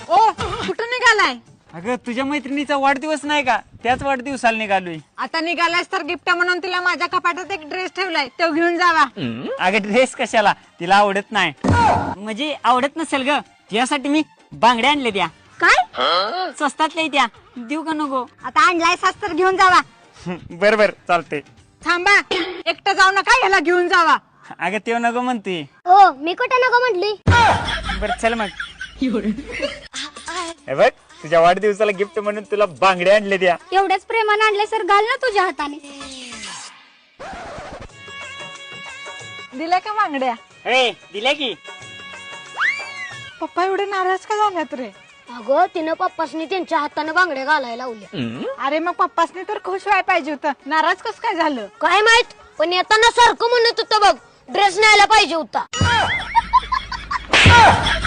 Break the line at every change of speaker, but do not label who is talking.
ओ कुठं निघालाय?
अगं तुझ्या मैत्रिणीचा वाढदिवस नाही का, त्याच वाढदिवसाला निघालोय.
आता निघालायस तर गिफ्ट म्हणून तिला माझ्या कपाटात एक ड्रेस ठेवलाय, तो घेऊन जावा.
अगं ड्रेस कशाला, तिला आवडत नाही. म्हणजे आवडत नसेल ग, तुझ्यासाठी मी बांगड्या आणले त्या.
काय
स्वस्तातल्या त्या, देऊ का नको?
आता आणलायस तर घेऊन जावा.
बर बर चालते.
थांबा, एकटं जाऊ नका, ह्याला घेऊन जावा.
अगं तेव्हा नको म्हणते.
हो मी कुठं नको म्हटली.
बर चल मग. हे बघ तुझ्या वाढदिवसाला गिफ्ट म्हणून तुला बांगड्या आणले त्या.
एवढ्याच प्रेमाने आणले सर, घाल ना तुझ्या हाताने.
दिल्या का बांगड्या?
हे दिल्या की.
पप्पा एवढे नाराज का झाल्यात रे?
अगं तिनं पप्पासनी त्यांच्या हाताने बांगड्या घालायला लावल्या.
अरे मग पप्पासनी तर खुश व्हायला पाहिजे होतं, नाराज कस काय झालं?
काय माहित, पण येताना सारखं म्हणत होतं बघ, ड्रेस न्यायला पाहिजे होता.